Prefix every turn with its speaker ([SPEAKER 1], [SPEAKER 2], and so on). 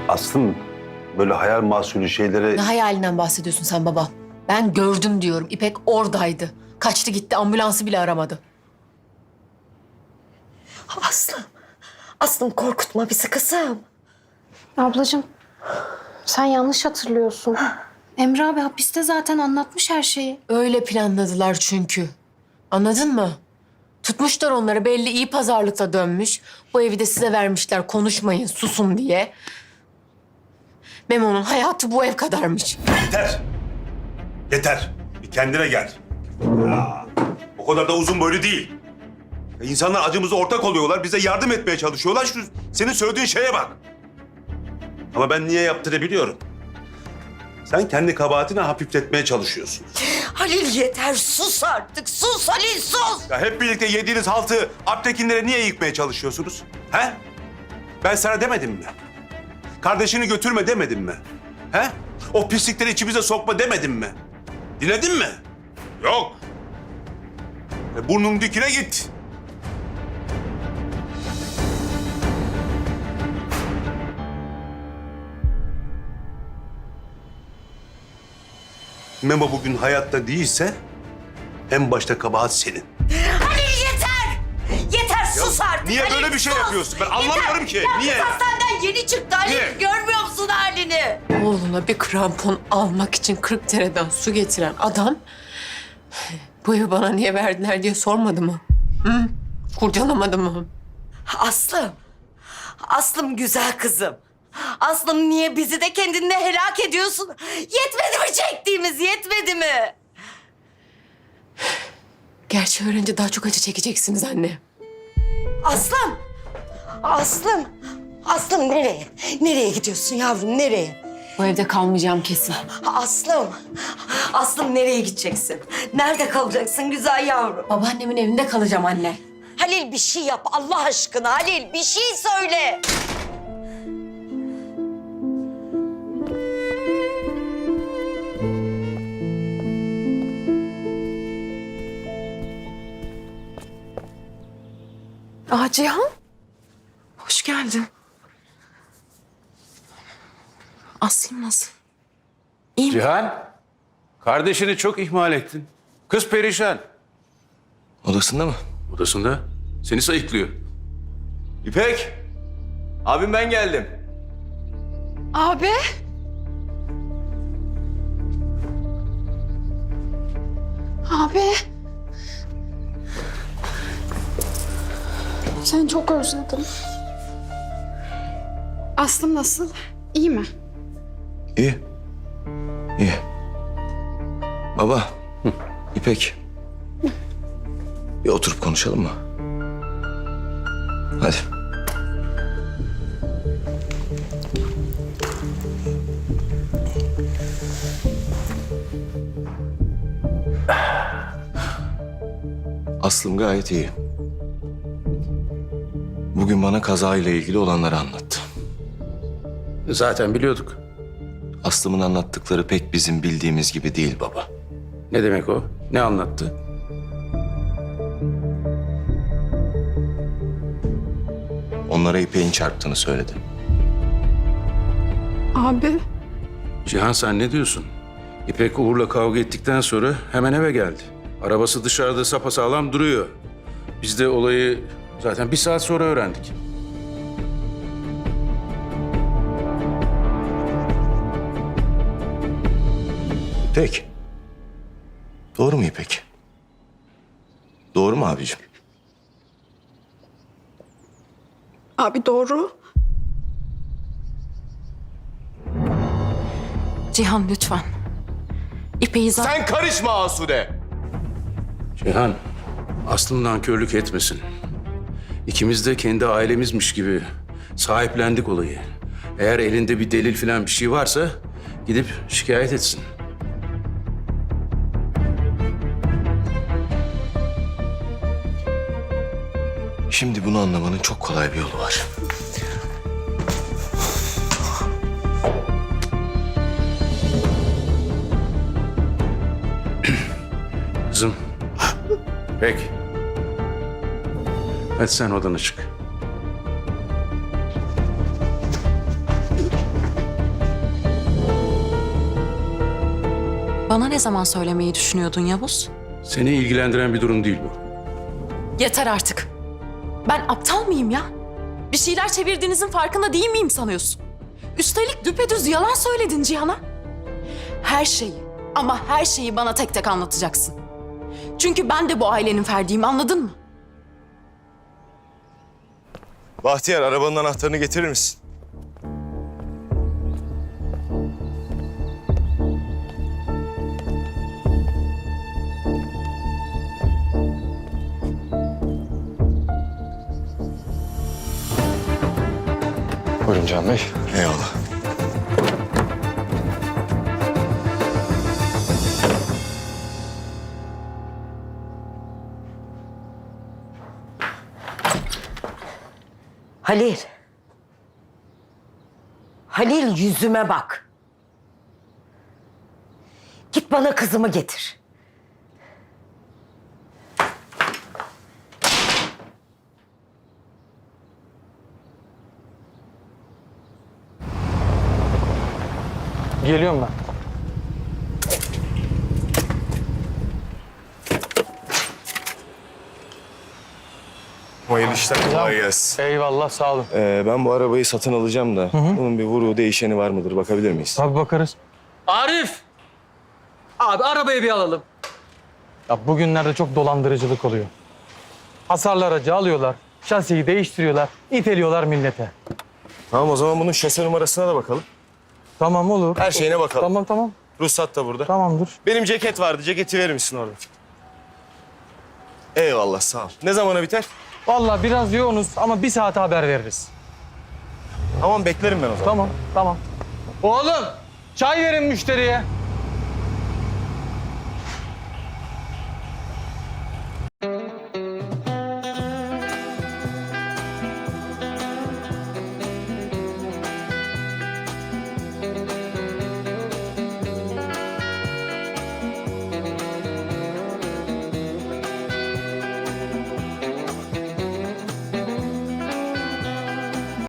[SPEAKER 1] Aslım böyle hayal mahsulü şeylere...
[SPEAKER 2] Ne hayalinden bahsediyorsun sen baba? Ben gördüm diyorum. İpek oradaydı. Kaçtı gitti, ambulansı bile aramadı.
[SPEAKER 3] Aslım. Aslım korkutma bizi kızım.
[SPEAKER 4] Ablacığım, sen yanlış hatırlıyorsun. Emre abi hapiste zaten anlatmış her şeyi.
[SPEAKER 2] Öyle planladılar çünkü. Anladın mı? Tutmuşlar onları, belli iyi pazarlıkla dönmüş. Bu evi de size vermişler, konuşmayın, susun diye. Memo'nun hayatı bu ev kadarmış.
[SPEAKER 1] Yeter. Yeter. Bir kendine gel. Ya, o kadar da uzun boylu değil. Ya, İnsanlar acımıza ortak oluyorlar, bize yardım etmeye çalışıyorlar. Şu senin söylediğin şeye bak. Ama ben niye yaptığını biliyorum. Sen kendi kabahatini hafifletmeye çalışıyorsun.
[SPEAKER 3] Halil yeter sus artık. Sus Halil sus.
[SPEAKER 1] Ya hep birlikte yediğiniz haltı Alptekinlere niye yıkmaya çalışıyorsunuz? He? Ben sana demedim mi? Kardeşini götürme demedim mi? He? O pislikleri içimize sokma demedim mi? Dinledin mi? Yok. Burnun dikine git. Memo bugün hayatta değilse en başta kabahat senin.
[SPEAKER 3] Halil yeter. Yeter sus artık.
[SPEAKER 1] Niye
[SPEAKER 3] Halil,
[SPEAKER 1] böyle bir şey
[SPEAKER 3] sus.
[SPEAKER 1] yapıyorsun? Ben anlamıyorum ki.
[SPEAKER 3] Ya
[SPEAKER 1] Niye?
[SPEAKER 3] kız hastaneden yeni çıktı Halil.
[SPEAKER 1] Niye?
[SPEAKER 3] Görmüyor musun halini?
[SPEAKER 2] Oğluna bir krampon almak için 40 dereden su getiren adam... ...bu evi bana niye verdiler diye sormadı mı? Hı? Kurcalamadı mı?
[SPEAKER 3] Aslım. Aslım güzel kızım. Aslım niye bizi de kendinle helak ediyorsun? Yetmedi mi çektiğimiz, yetmedi mi?
[SPEAKER 2] Gerçi öğrenince daha çok acı çekeceksiniz anne.
[SPEAKER 3] Aslım. Aslım. Aslım nereye? Nereye gidiyorsun yavrum, nereye?
[SPEAKER 2] Bu evde kalmayacağım kesin.
[SPEAKER 3] Aslım. Aslım nereye gideceksin? Nerede kalacaksın güzel yavrum?
[SPEAKER 2] Babaannemin evinde kalacağım anne.
[SPEAKER 3] Halil bir şey yap Allah aşkına Halil. Bir şey söyle.
[SPEAKER 2] Cihan. Hoş geldin. Aslım nasıl?
[SPEAKER 5] Cihan, kardeşini çok ihmal ettin. Kız perişan.
[SPEAKER 6] Odasında mı?
[SPEAKER 5] Odasında seni sayıklıyor.
[SPEAKER 6] İpek! Abim ben geldim.
[SPEAKER 4] Abi. Abi. Seni çok özledim. Aslım nasıl? İyi mi?
[SPEAKER 6] İyi. İyi. Baba, İpek. Bir oturup konuşalım mı? Hadi. Aslım gayet iyi. Bugün bana kazayla ilgili olanları anlattı.
[SPEAKER 5] Zaten biliyorduk.
[SPEAKER 6] Aslım'ın anlattıkları pek bizim bildiğimiz gibi değil baba.
[SPEAKER 5] Ne demek o? Ne anlattı?
[SPEAKER 6] Onlara İpek'in çarptığını söyledi.
[SPEAKER 4] Abi.
[SPEAKER 5] Cihan sen ne diyorsun? İpek Uğur'la kavga ettikten sonra hemen eve geldi. Arabası dışarıda sapasağlam duruyor. Biz de olayı zaten bir saat sonra öğrendik.
[SPEAKER 6] İpek. Doğru mu İpek? Doğru mu abicim?
[SPEAKER 4] Abi doğru.
[SPEAKER 2] Cihan lütfen. İpek'i
[SPEAKER 6] Sen karışma Asude.
[SPEAKER 5] Cihan, aslından körlük etmesin. İkimiz de kendi ailemizmiş gibi sahiplendik olayı. Eğer elinde bir delil falan bir şey varsa gidip şikayet etsin.
[SPEAKER 6] Şimdi bunu anlamanın çok kolay bir yolu var.
[SPEAKER 5] Kızım. Peki. Hadi sen odana çık.
[SPEAKER 7] Bana ne zaman söylemeyi düşünüyordun Yavuz?
[SPEAKER 5] Seni ilgilendiren bir durum değil bu.
[SPEAKER 7] Yeter artık. Ben aptal mıyım ya? Bir şeyler çevirdiğinizin farkında değil miyim sanıyorsun? Üstelik düpedüz yalan söyledin Cihan'a. Her şeyi ama her şeyi bana tek tek anlatacaksın. Çünkü ben de bu ailenin ferdiyim, anladın mı?
[SPEAKER 8] Bahtiyar, arabanın anahtarını getirir misin? Buyurun Can Bey. Eyvallah.
[SPEAKER 3] Halil. Halil, yüzüme bak. Git bana kızımı getir.
[SPEAKER 9] Geliyorum ben.
[SPEAKER 8] Hayırlı işler, kolay gelsin.
[SPEAKER 9] Eyvallah, sağ olun.
[SPEAKER 8] Ben bu arabayı satın alacağım da bunun bir vuruğu değişeni var mıdır? Bakabilir miyiz?
[SPEAKER 9] Tabii bakarız. Arif! Abi arabayı bir alalım. Ya bugünlerde çok dolandırıcılık oluyor. Hasarlı aracı alıyorlar, şasiyi değiştiriyorlar, iteliyorlar millete.
[SPEAKER 8] Tamam, o zaman bunun şase numarasına da bakalım.
[SPEAKER 9] Tamam, olur.
[SPEAKER 8] Her şeyine bakalım.
[SPEAKER 9] Tamam.
[SPEAKER 8] Ruhsat da burada.
[SPEAKER 9] Tamamdır.
[SPEAKER 8] Benim ceket vardı. Ceketi verir misin orada? Eyvallah, sağ ol. Ne zamana biter?
[SPEAKER 9] Vallahi biraz yoğunuz ama bir saate haber veririz.
[SPEAKER 8] Tamam, beklerim ben o zaman.
[SPEAKER 9] Tamam. Oğlum, çay verin müşteriye.